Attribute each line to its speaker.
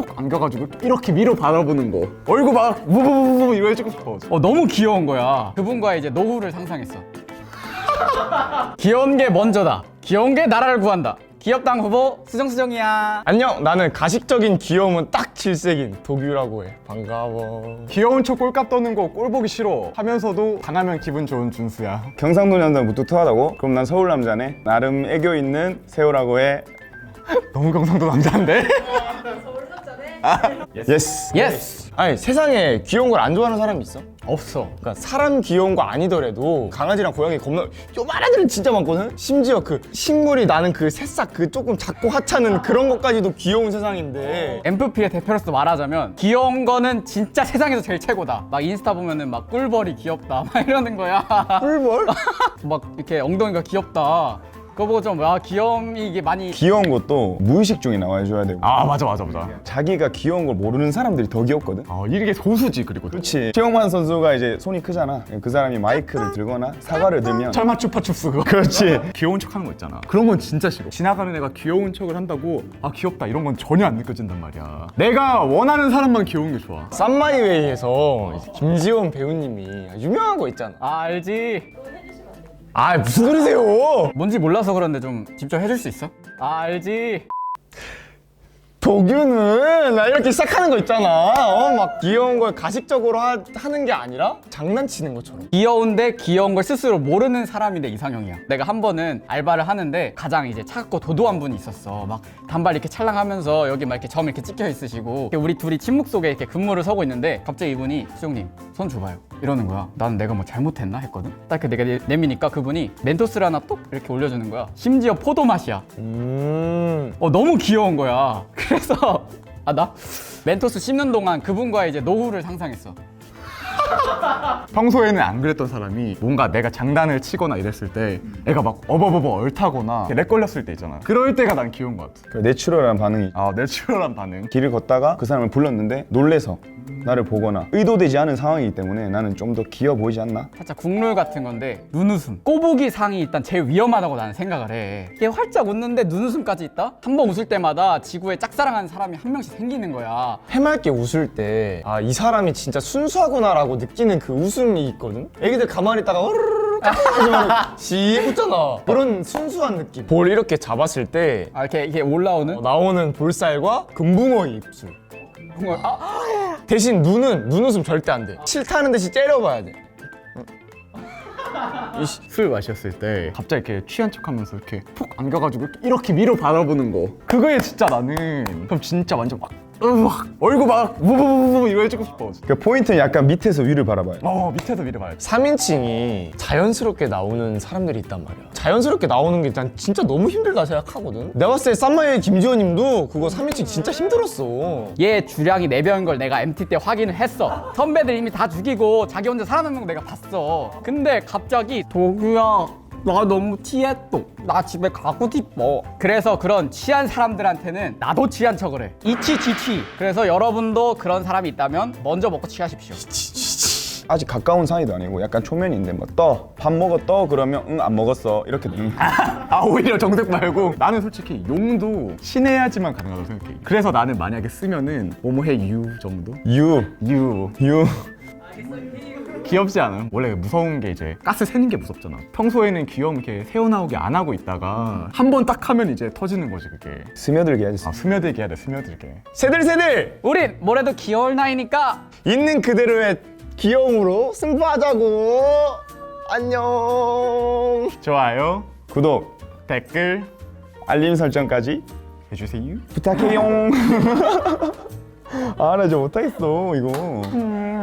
Speaker 1: 푹 안겨가지고 이렇게 위로 바라보는 거. 얼굴 막 무부부부 이거 해주고 싶어.
Speaker 2: 너무 귀여운 거야. 그분과의 이제 노후를 상상했어. 귀여운 게 먼저다. 귀여운 게 나라를 구한다. 귀엽당 후보 수정수정이야.
Speaker 3: 안녕, 나는 가식적인 귀여움은 딱 질색인 도규라고 해. 반가워.
Speaker 1: 귀여운 척 꼴값 떠는 거 꼴 보기 싫어 하면서도 당하면 기분 좋은 준수야.
Speaker 4: 경상도 남자 무뚝뚝하다고? 그럼 난 서울 남자네. 나름 애교 있는 세호라고 해.
Speaker 1: 너무 경상도 남자인데?
Speaker 4: 예스.
Speaker 2: 예스.
Speaker 3: 아니, 세상에 귀여운 걸 안 좋아하는 사람이 있어?
Speaker 2: 없어.
Speaker 3: 그러니까 사람 귀여운 거 아니더라도 강아지랑 고양이 겁나 요만한 애들은 진짜 많거든? 심지어 그 식물이 나는 그 새싹 그 조금 작고 하찮은 그런 것까지도 귀여운 세상인데
Speaker 2: MFP의 대표로서 말하자면 귀여운 거는 진짜 세상에서 제일 최고다. 막 인스타 보면은 막 꿀벌이 귀엽다 막 이러는 거야.
Speaker 3: 꿀벌?
Speaker 2: 막 이렇게 엉덩이가 귀엽다. 그거 보고 좀 귀여움이 이게 많이
Speaker 4: 귀여운 것도 무의식 중에 나와줘야 되고.
Speaker 1: 아 맞아.
Speaker 4: 자기가 귀여운 걸 모르는 사람들이 더 귀엽거든.
Speaker 1: 이게 소수지. 그리고
Speaker 4: 그렇지. 최영만 선수가 이제 손이 크잖아. 그 사람이 마이크를 들거나 사과를 들면
Speaker 1: 설마 추파춥스 그거.
Speaker 4: 그렇지.
Speaker 1: 귀여운 척 하는 거 있잖아. 그런 건 진짜 싫어. 지나가는 애가 귀여운 척을 한다고 귀엽다 이런 건 전혀 안 느껴진단 말이야. 내가 원하는 사람만 귀여운 게 좋아.
Speaker 3: 쌈마이웨이에서 이제 김지원 배우님이 유명한 거 있잖아.
Speaker 2: 알지.
Speaker 3: 아, 무슨 소리세요?
Speaker 2: 뭔지 몰라서 그런데 좀 직접 해줄 수 있어? 알지.
Speaker 3: 도규는 나 이렇게 시작하는 거 있잖아. 막 귀여운 걸 가식적으로 하는 게 아니라 장난치는 것처럼.
Speaker 2: 귀여운데 귀여운 걸 스스로 모르는 사람이 내 이상형이야. 내가 한 번은 알바를 하는데 가장 이제 차갑고 도도한 분이 있었어. 막 단발 이렇게 찰랑하면서 여기 막 이렇게 점 이렇게 찍혀 있으시고 이렇게 우리 둘이 침묵 속에 이렇게 근무를 서고 있는데 갑자기 이분이 수정님 손 줘봐요 이러는 거야. 난 내가 뭐 잘못했나 했거든. 딱 내가 내미니까 그분이 멘토스를 하나 뚝 이렇게 올려주는 거야. 심지어 포도 맛이야. 너무 귀여운 거야. 그래서 나 멘토스 씹는 동안 그분과의 이제 노후를 상상했어.
Speaker 1: 평소에는 안 그랬던 사람이 뭔가 내가 장난을 치거나 이랬을 때 애가 막 어버버버 얼타거나 렉 걸렸을 때 있잖아. 그럴 때가 난 귀여운 것 같아.
Speaker 4: 그 내추럴한 반응이.
Speaker 1: 내추럴한 반응.
Speaker 4: 길을 걷다가 그 사람을 불렀는데 놀래서 나를 보거나 의도되지 않은 상황이기 때문에 나는 좀 더 귀여워 보이지 않나?
Speaker 2: 살짝 국룰 같은 건데 눈웃음 꼬부기 상이 일단 제일 위험하다고 나는 생각을 해. 이게 활짝 웃는데 눈웃음까지 있다? 한 번 웃을 때마다 지구에 짝사랑하는 사람이 한 명씩 생기는 거야.
Speaker 3: 해맑게 웃을 때 이 사람이 진짜 순수하구나라고 느끼는 그 웃음이 있거든? 애기들 가만히 있다가 으르르르 하지만 씩 웃잖아. 그런 순수한 느낌. 볼 이렇게 잡았을 때
Speaker 2: 이렇게 올라오는
Speaker 3: 나오는 볼살과 금붕어의 입술.
Speaker 2: 그걸
Speaker 3: 대신 눈웃음 절대 안 돼. 싫다는 듯이 째려봐야 돼.
Speaker 1: 술 마셨을 때 갑자기 이렇게 취한 척하면서 이렇게 푹 안겨가지고 이렇게 위로 바라보는 거. 그거에 진짜 나는 그럼 진짜 완전 막 얼굴 막 무부부부 이거 해주고 싶어.
Speaker 4: 그 포인트는 약간 밑에서 위를 바라봐요.
Speaker 1: 밑에서 위로 봐야지.
Speaker 3: 3인칭이 자연스럽게 나오는 사람들이 있단 말이야. 자연스럽게 나오는 게 난 진짜 너무 힘들다 생각하거든. 내가 봤을 때 쌈마의 김지호님도 그거 3인칭 진짜 힘들었어.
Speaker 2: 얘 주량이 4배인 걸 내가 MT 때 확인을 했어. 선배들 이미 다 죽이고 자기 혼자 살아남는 거 내가 봤어. 근데 갑자기 도규야 나 너무 취했어. 나 집에 가고 싶어. 그래서 그런 취한 사람들한테는 나도 취한 척을 해. 이취취취. 그래서 여러분도 그런 사람이 있다면 먼저 먹고 취하십시오.
Speaker 4: 아직 가까운 사이도 아니고 약간 초면인데 뭐 밥 먹어 그러면 응 안 먹었어 이렇게
Speaker 1: 오히려 정색 말고 나는 솔직히 용도 친해야지만 가능하다고 생각해. 그래서 나는 만약에 쓰면은 뭐뭐해 유 정도?
Speaker 4: 유
Speaker 1: 유 귀엽지 않아? 원래 무서운 게 이제 가스 새는 게 무섭잖아. 평소에는 귀여움 이렇게 새어나오게 안 하고 있다가 한 번 딱 하면 이제 터지는 거지 그게.
Speaker 4: 스며들게 해야지.
Speaker 1: 스며들게 해야 돼. 스며들게.
Speaker 3: 새들
Speaker 2: 우린 뭐래도 귀여울 나이니까
Speaker 3: 있는 그대로의 귀여움으로 승부하자고. 안녕.
Speaker 1: 좋아요,
Speaker 4: 구독,
Speaker 1: 댓글
Speaker 4: 알림 설정까지
Speaker 1: 해주세요.
Speaker 4: 부탁해요. 아 나 좀 못하겠어 이거.